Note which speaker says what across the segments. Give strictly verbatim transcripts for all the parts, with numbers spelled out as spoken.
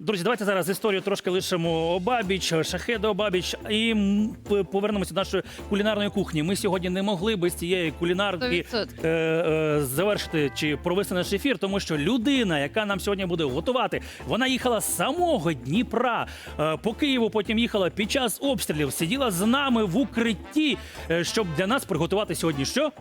Speaker 1: Друзі, давайте зараз історію трошки лишимо обабіч, шахеди обабіч і повернемося до нашої кулінарної кухні. Ми сьогодні не могли без цієї кулінарки е, е, завершити чи провести наш ефір, тому що людина, яка нам сьогодні буде готувати, вона їхала з самого Дніпра е, по Києву, потім їхала під час обстрілів, сиділа з нами в укритті, е, щоб для нас приготувати сьогодні що?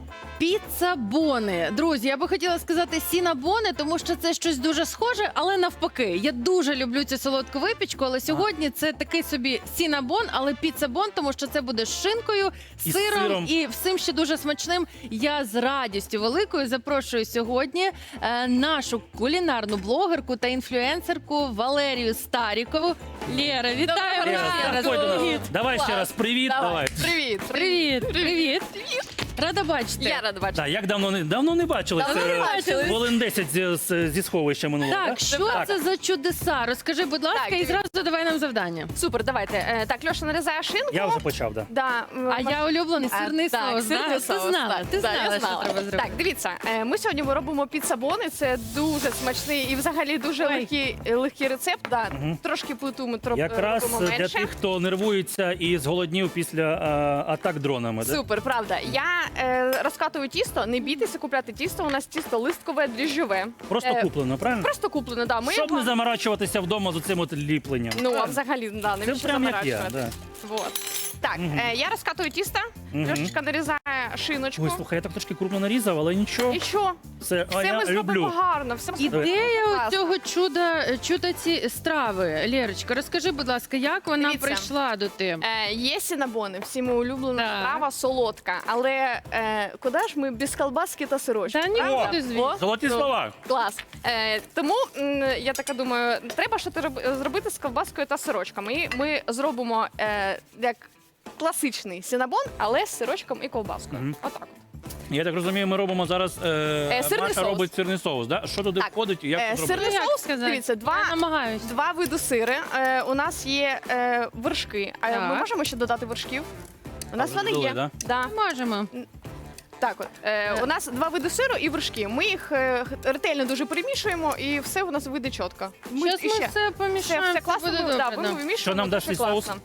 Speaker 2: Піца-бони. Друзі, я би хотіла сказати сінабони, тому що це щось дуже схоже, але навпаки. Я дуже люблю цю солодку випічку, але сьогодні це такий собі сінабон, але піца-бон, тому що це буде з шинкою,
Speaker 1: І
Speaker 2: сиром,
Speaker 1: сиром
Speaker 2: і всім ще дуже смачним. Я з радістю великою запрошую сьогодні е, нашу кулінарну блогерку та інфлюенсерку Валерію Старікову. Лєра, вітаю!
Speaker 1: Лєра,
Speaker 2: ще раз.
Speaker 1: заходь до нас.
Speaker 2: Привіт.
Speaker 1: Давай ще раз привіт. Давай.
Speaker 3: Привіт.
Speaker 2: Привіт, привіт. Рада бачити.
Speaker 3: Я рада бачити.
Speaker 1: Так, як давно не давно не бачилися?
Speaker 3: Давно не бачились.
Speaker 1: Хвилин десять зі, з- зі сховища минулого.
Speaker 2: Так, що це за чудеса? Розкажи, будь ласка,
Speaker 3: Так,
Speaker 2: і зразу давай нам завдання.
Speaker 3: Супер, давайте. Е, Так, Льоша нарізає шинку.
Speaker 1: Я вже почав, так.
Speaker 3: Да, м,
Speaker 2: А я улюблений
Speaker 3: А,
Speaker 2: сирний
Speaker 3: так,
Speaker 2: соус.
Speaker 3: сирний
Speaker 2: да?
Speaker 3: соус,
Speaker 2: Ти знала,
Speaker 3: так.
Speaker 2: ти
Speaker 3: Да,
Speaker 2: знала,
Speaker 3: я
Speaker 2: що
Speaker 3: знала.
Speaker 2: треба зробити.
Speaker 3: Так, дивіться, е, ми сьогодні робимо піца-бони. Це дуже смачний і взагалі дуже
Speaker 2: Ой.
Speaker 3: легкий, легкий рецепт. Да, Трошки плиту ми троп-
Speaker 1: Якраз
Speaker 3: робимо
Speaker 1: для
Speaker 3: менше.
Speaker 1: тих, хто нервується і зголоднів після а, атак дронами. Да?
Speaker 3: Супер, правда. Я е, розкатую тісто, не бійтеся купляти тісто. У нас тісто листкове, дріжджове.
Speaker 1: Просто
Speaker 3: Е,
Speaker 1: куплено, правильно?
Speaker 3: Просто куплено, да. Ми
Speaker 1: Щоб
Speaker 3: його...
Speaker 1: не заморачуватися вдома з цим от ліпленням.
Speaker 3: Ну, а
Speaker 1: Правильно?
Speaker 3: взагалі, да,
Speaker 1: Це
Speaker 3: навіщо
Speaker 1: прям як я.
Speaker 3: заморачувати?
Speaker 1: Да.
Speaker 3: Вот. Так, е, я розкатую тісто,
Speaker 1: Мгм.
Speaker 3: Льошечка нарізає шиночку.
Speaker 1: Ой, слухай, я так трошки крупно нарізав, але нічого.
Speaker 3: І що?
Speaker 1: Це а
Speaker 3: Все
Speaker 1: я
Speaker 3: ми зробимо
Speaker 1: люблю.
Speaker 3: гарно. Все
Speaker 2: Ідея
Speaker 3: Класно.
Speaker 2: у цього чуда, чуда ці страви. Лєрочка, розкажи, будь ласка, як вона
Speaker 3: Дивіться.
Speaker 2: прийшла до тебе?
Speaker 3: Е, є сінабони, всіми улюблена
Speaker 2: Так.
Speaker 3: страва, солодка. Але е, куди ж ми без колбаски та сирочка?
Speaker 2: Та ні,
Speaker 3: правда?
Speaker 2: куди звідси.
Speaker 3: О,
Speaker 1: Золоті
Speaker 3: ну,
Speaker 1: слова.
Speaker 3: Клас. Е, тому м, я така думаю, треба щось роб- зробити з ковбаскою та сирочками. І ми зробимо е, як класичний сінабон, але з сирочком і ковбаскою.
Speaker 1: Мгм.
Speaker 3: Отак.
Speaker 1: Я так розумію, ми робимо зараз. Е,
Speaker 3: Е, сирний
Speaker 1: Маша
Speaker 3: соус.
Speaker 1: робить сирний соус. Да? Що туди
Speaker 3: Так.
Speaker 1: входить і як
Speaker 3: Е,
Speaker 1: це зробити?
Speaker 3: сирний
Speaker 2: Як
Speaker 3: соус,
Speaker 2: сказати?
Speaker 3: дивіться, два,
Speaker 2: Я намагаюсь.
Speaker 3: два види сири. Е, у нас є е, вершки. А
Speaker 2: Так.
Speaker 3: ми можемо ще додати вершків? У нас
Speaker 1: вже
Speaker 3: вони
Speaker 1: додали,
Speaker 3: є.
Speaker 1: да?
Speaker 3: Да.
Speaker 2: Можемо.
Speaker 3: Так, от е, у нас два види сиру і вершки. Ми їх е, ретельно дуже перемішуємо, і все у нас вийде чітко.
Speaker 2: Зараз
Speaker 3: і
Speaker 2: ми
Speaker 3: ще.
Speaker 2: все
Speaker 3: Все,
Speaker 2: помішаємо,
Speaker 3: все
Speaker 2: це
Speaker 3: класно
Speaker 2: буде
Speaker 3: буде,
Speaker 2: добре.
Speaker 3: да,
Speaker 2: да.
Speaker 3: ми вимішуємо,
Speaker 1: Що нам
Speaker 3: дуже
Speaker 1: дасть цей
Speaker 3: класно.
Speaker 1: соус?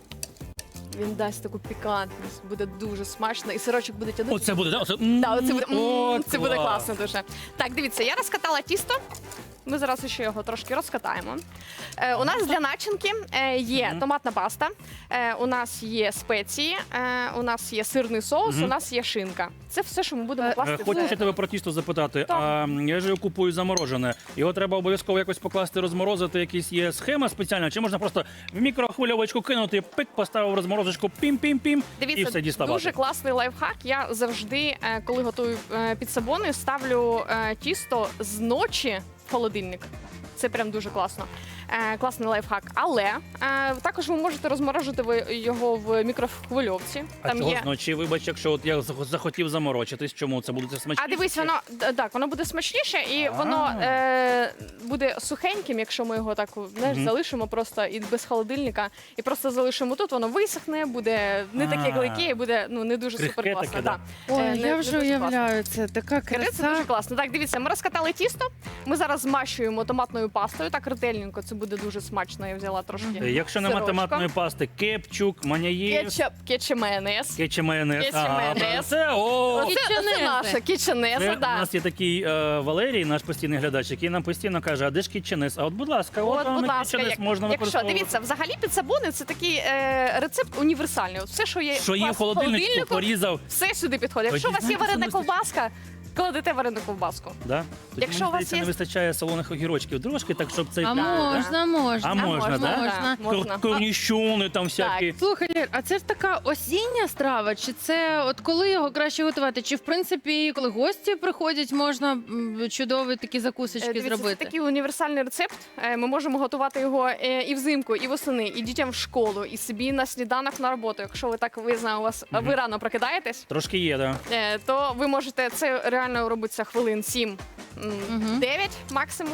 Speaker 3: Він дасть таку пікантність, буде дуже смачно, і сирочок буде тягнути.
Speaker 1: Оце буде, да? Оце,
Speaker 3: Да, оце буде, м,
Speaker 1: О,
Speaker 3: це буде
Speaker 1: клас.
Speaker 3: класно дуже. Так, дивіться, я розкатала тісто. Ми зараз ще його трошки розкатаємо. Е, у нас для начинки е, є
Speaker 1: Мгм.
Speaker 3: томатна паста, е, у нас є спеції, е, у нас є сирний соус,
Speaker 1: Мгм.
Speaker 3: у нас є шинка. Це все, що ми будемо
Speaker 2: Е,
Speaker 3: класти.
Speaker 1: Е,
Speaker 3: в
Speaker 1: Хочу
Speaker 3: це.
Speaker 1: ще тебе про тісто запитати.
Speaker 3: Так.
Speaker 1: А, я ж його купую заморожене. Його треба обов'язково якось покласти, розморозити. Якась є схема спеціальна, чи можна просто в мікрохвильовочку кинути, пик, поставив розморозочку, пім-пім-пім, і
Speaker 3: Дивіться,
Speaker 1: все діставати.
Speaker 3: дуже класний лайфхак. Я завжди, е, коли готую е, підсабони, ставлю е, тісто з ночі в холодильник. Це прям дуже класно. Е, класний лайфхак. Але е, також ви можете розморожити ви його в мікрохвильовці.
Speaker 1: А
Speaker 3: Там
Speaker 1: чого
Speaker 3: є.
Speaker 1: зночі, вибач, якщо от я зах- захотів заморочитись, чому це буде смачніше?
Speaker 3: А дивись, воно д- так, воно буде смачніше, і
Speaker 1: А.
Speaker 3: воно е, буде сухеньким, якщо ми його так знаєш,
Speaker 1: Мгм.
Speaker 3: залишимо просто і без холодильника, і просто залишимо тут, воно висохне, буде не таке
Speaker 1: А.
Speaker 3: клейке, і буде ну не дуже
Speaker 1: Крихке
Speaker 3: супер класно.
Speaker 1: таке, да.
Speaker 2: Ой,
Speaker 3: Е, не-
Speaker 2: я
Speaker 3: не
Speaker 2: вже
Speaker 3: дуже класно.
Speaker 2: уявляю, це така
Speaker 3: Це дуже
Speaker 2: краса.
Speaker 3: класно. Так, дивіться, ми розкатали тісто. Ми зараз змащуємо томатною пастою. Так ретельненько, це буде дуже смачно. Я взяла трошки.
Speaker 1: Е, Якщо нема
Speaker 3: сирочка.
Speaker 1: томатної пасти, кепчук, маняєв,
Speaker 3: Кетчуп, кетчуп майонез.
Speaker 1: кетче майонез.
Speaker 3: Кетче
Speaker 1: Ага,
Speaker 3: майонез.
Speaker 1: Це, о,
Speaker 3: Оце, це
Speaker 2: Кетченезе.
Speaker 3: наша кетченеза,
Speaker 1: Це, у
Speaker 3: да.
Speaker 1: нас є такий е, Валерій, наш постійний глядач, який нам постійно каже, а де ж кетченез? А от, будь ласка, от,
Speaker 3: От,
Speaker 1: вам
Speaker 3: будь
Speaker 1: і
Speaker 3: ласка,
Speaker 1: кетченез
Speaker 3: як-
Speaker 1: можна
Speaker 3: якщо
Speaker 1: використовувати.
Speaker 3: дивіться, взагалі підсабони це такий е, рецепт універсальний. От все, що є
Speaker 1: Що
Speaker 3: у
Speaker 1: є
Speaker 3: вас
Speaker 1: в холодильнику, порізав.
Speaker 3: все сюди підходить. Якщо у вас є
Speaker 1: Знаєте,
Speaker 3: варена
Speaker 1: що не
Speaker 3: ковбаска, кладете варену ковбаску.
Speaker 1: Да? Тоді,
Speaker 3: Якщо
Speaker 1: мені
Speaker 3: у вас
Speaker 1: здається,
Speaker 3: є-
Speaker 1: не вистачає солоних огірочків. Трошки так, щоб цей...
Speaker 2: А
Speaker 1: да?
Speaker 2: можна, можна.
Speaker 1: А можна, да?
Speaker 2: Можна.
Speaker 3: Можна.
Speaker 1: Корніщони там всякі.
Speaker 2: Слухай, Лєр, а це ж така осіння страва? Чи це от коли його краще готувати? Чи в принципі, коли гості приходять, можна м, чудові такі
Speaker 3: Е,
Speaker 2: закусочки
Speaker 3: Дивіться,
Speaker 2: зробити?
Speaker 3: це такий універсальний рецепт. Е, Ми можемо готувати його е, і взимку, і восени, і дітям в школу, і собі на сніданок на роботу. Якщо ви так ви знаю, у вас
Speaker 1: Мгм.
Speaker 3: ви рано прокидаєтесь,
Speaker 1: Трошки є, да.
Speaker 3: е, то ви можете це реально робиться хвилин сім
Speaker 2: Мгм.
Speaker 3: дев'ять максимум.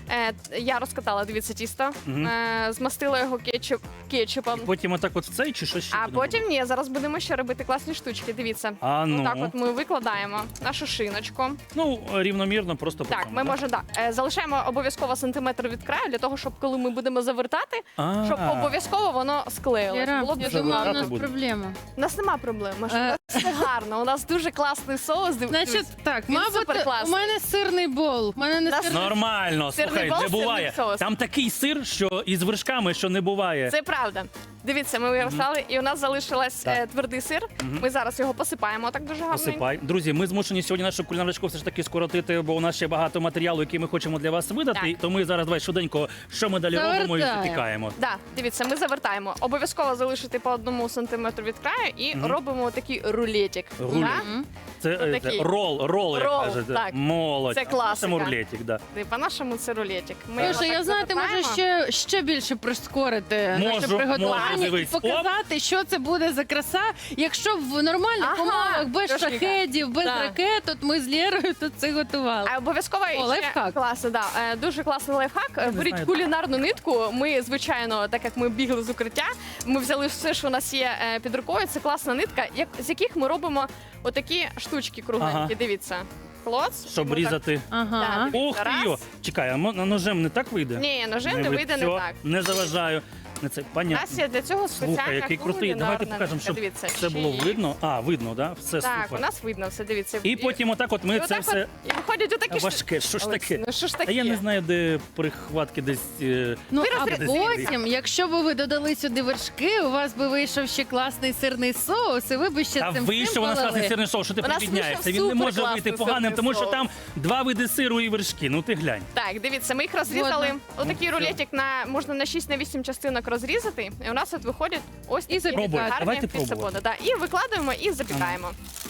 Speaker 3: Е, я розкатала, дивіться, тісто,
Speaker 1: Мгм.
Speaker 3: е, змастила його кетчуп, кетчупом.
Speaker 1: Потім отак от в цей чи що ще?
Speaker 3: А
Speaker 1: будемо
Speaker 3: потім
Speaker 1: робити?
Speaker 3: ні, зараз будемо ще робити класні штучки. Дивіться.
Speaker 1: А ну.
Speaker 3: Отак от ми викладаємо нашу шиночку.
Speaker 1: Ну, рівномірно, просто по
Speaker 3: Так,
Speaker 1: цьому,
Speaker 3: ми
Speaker 1: да?
Speaker 3: можемо да, е, залишаємо обов'язково сантиметр від краю, для того, щоб коли ми будемо завертати,
Speaker 1: А.
Speaker 3: щоб обов'язково воно склеїлось.
Speaker 2: Лера,
Speaker 3: Було б
Speaker 2: я
Speaker 3: дуже
Speaker 2: думала, у
Speaker 1: вибирати
Speaker 2: нас
Speaker 1: буде.
Speaker 2: проблема.
Speaker 3: У нас нема проблем. Ми ж-
Speaker 2: Е.
Speaker 3: у нас все гарно. У нас дуже класний соус. Див-
Speaker 2: Значить,
Speaker 3: дивись.
Speaker 2: так,
Speaker 3: Він
Speaker 2: мабуть, у
Speaker 3: суперкласний.
Speaker 2: мене сирний бол. У мене не
Speaker 3: Нас-
Speaker 2: сирний.
Speaker 1: Нормально,
Speaker 3: Сирний
Speaker 1: слухай,
Speaker 3: бол,
Speaker 1: не
Speaker 3: сирний
Speaker 1: буває.
Speaker 3: соус.
Speaker 1: Там такий сир, що із вершками, що не буває.
Speaker 3: Це правда. Дивіться, ми виростали, і у нас залишилась
Speaker 1: Так.
Speaker 3: е, твердий сир.
Speaker 1: Мгм.
Speaker 3: Ми зараз його посипаємо так дуже гарно.
Speaker 1: Посипай. Друзі, ми змушені сьогодні нашу кулінарочку все ж таки скоротити, бо у нас ще багато матеріалу, який ми хочемо для вас видати.
Speaker 3: Так.
Speaker 1: То ми зараз давай швиденько, що ми далі робимо і
Speaker 2: Завертаємо.
Speaker 1: запікаємо.
Speaker 3: Да, дивіться, ми завертаємо. Обов'язково залишити по одному сантиметру від краю і
Speaker 1: Мгм.
Speaker 3: робимо такий рулетик.
Speaker 1: Рулет.
Speaker 3: Да?
Speaker 2: Мгм.
Speaker 1: Це, е, це
Speaker 3: Отакий.
Speaker 1: рол, рол, як
Speaker 3: Рол,
Speaker 1: кажете.
Speaker 3: так.
Speaker 1: Молодь.
Speaker 3: Це класика.
Speaker 1: Це рулетик, да.
Speaker 3: І По-нашому це рулетик. Ми його
Speaker 2: Слушай,
Speaker 3: так
Speaker 2: я знаєте, можу
Speaker 3: завертаємо.
Speaker 2: ще, ще більше прискорити
Speaker 1: Можу,
Speaker 2: наше
Speaker 1: можу,
Speaker 2: приготування і
Speaker 1: дивись.
Speaker 2: показати, що це буде за краса. Якщо в нормальних
Speaker 3: Ага,
Speaker 2: умовах, без
Speaker 3: трошки.
Speaker 2: шахедів, без
Speaker 3: Да.
Speaker 2: ракет, от ми з Лєрою тут це готували.
Speaker 3: А обов'язково
Speaker 2: О,
Speaker 3: ще
Speaker 2: лайфхак.
Speaker 3: класно, да. Е, Дуже класний лайфхак.
Speaker 1: не
Speaker 3: Беріть
Speaker 1: знаю.
Speaker 3: кулінарну нитку. Ми, звичайно, так як ми бігли з укриття, ми взяли все, що у нас є е, під рукою. Це класна нитка, як з яких ми робимо отакі штучки кругленькі.
Speaker 1: Ага.
Speaker 3: Дивіться. Клоц.
Speaker 1: Щоб
Speaker 3: Ми так-
Speaker 1: різати.
Speaker 2: Ага.
Speaker 3: Так.
Speaker 1: Ох ти
Speaker 3: Раз.
Speaker 1: йо! Чекай, а мо- на ножем не так вийде?
Speaker 3: Ні, ножем не
Speaker 1: ви-
Speaker 3: вийде не
Speaker 1: всьо,
Speaker 3: так.
Speaker 1: Не заважаю. Не це,
Speaker 3: У
Speaker 1: понятно.
Speaker 3: нас є для цього спеціальна
Speaker 1: Слухай, який крутий. Давайте
Speaker 3: кулінарна
Speaker 1: покажемо,
Speaker 3: нитка.
Speaker 1: щоб
Speaker 3: Дивіться,
Speaker 1: це було
Speaker 3: ще-
Speaker 1: видно. А, видно, да? Все
Speaker 3: Так,
Speaker 1: супер.
Speaker 3: у нас видно все, дивіться.
Speaker 1: І потім отак от ми
Speaker 3: і
Speaker 1: це
Speaker 3: отак
Speaker 1: все
Speaker 3: от, і виходять отакі штуки.
Speaker 1: важке. Що ж
Speaker 3: Олексій,
Speaker 1: таке?
Speaker 3: Ну що ж
Speaker 1: А
Speaker 3: таке?
Speaker 1: я не знаю, де прихватки десь. е,
Speaker 2: Ну,
Speaker 3: Ви
Speaker 2: а
Speaker 3: розрі-
Speaker 2: потім, якщо б ви додали сюди вершки, у вас би вийшов ще класний сирний соус, і ви б ще
Speaker 1: Та
Speaker 2: цим
Speaker 1: вийшов у нас
Speaker 2: полили.
Speaker 1: класний сирний соус, що ти
Speaker 3: У нас
Speaker 1: припідняєшся.
Speaker 3: вийшов
Speaker 1: Він не може
Speaker 3: суперкласний
Speaker 1: вийти поганим,
Speaker 3: сирний
Speaker 1: тому що
Speaker 3: соус.
Speaker 1: там два види сиру і вершки. Ну ти глянь.
Speaker 3: Так, дивіться, ми їх розрізали.
Speaker 2: Згодна.
Speaker 3: Отакий
Speaker 1: Ну,
Speaker 3: рулетик на можна на шість на вісім частинок розрізати. І у нас от виходять ось такі
Speaker 2: запікати.
Speaker 1: Пробуй,
Speaker 3: гарні
Speaker 1: давайте
Speaker 3: піцебони.
Speaker 1: пробувати.
Speaker 3: Да, і викладаємо і запікаємо.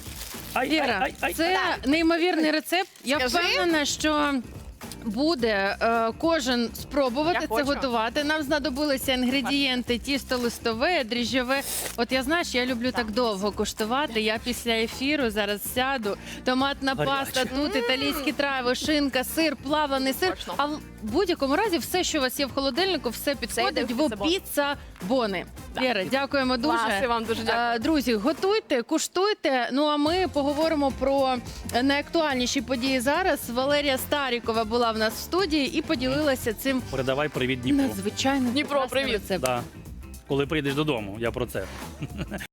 Speaker 1: Ай,
Speaker 2: Віра,
Speaker 1: ай, ай, ай.
Speaker 2: це неймовірний рецепт. Я
Speaker 3: Скажи.
Speaker 2: впевнена, що буде е, кожен спробувати
Speaker 3: Я
Speaker 2: це
Speaker 3: хочу.
Speaker 2: готувати. Нам знадобилися інгредієнти: тісто листове, дріжджове. От я знаєш, я люблю так довго куштувати. Я після ефіру зараз сяду. Томатна
Speaker 1: Гаряче.
Speaker 2: паста, тут італійські трави, шинка, сир, плавлений сир.
Speaker 3: Точно.
Speaker 2: А в будь-якому разі, все, що у вас є в холодильнику, все підходить
Speaker 3: йде в
Speaker 2: в
Speaker 3: піцебон.
Speaker 2: піца бони. Лєра, дякуємо дуже.
Speaker 3: Клас, і вам дуже дякую.
Speaker 2: Е, Друзі, готуйте, куштуйте. Ну а ми поговоримо про найактуальніші події зараз. Валерія Старікова була в нас в студії і поділилася цим
Speaker 1: Передавай привіт Дніпру.
Speaker 2: надзвичайно
Speaker 3: Дніпро,
Speaker 2: прекрасним
Speaker 3: привіт.
Speaker 2: рецептом.
Speaker 1: Да. Коли прийдеш додому, я про це.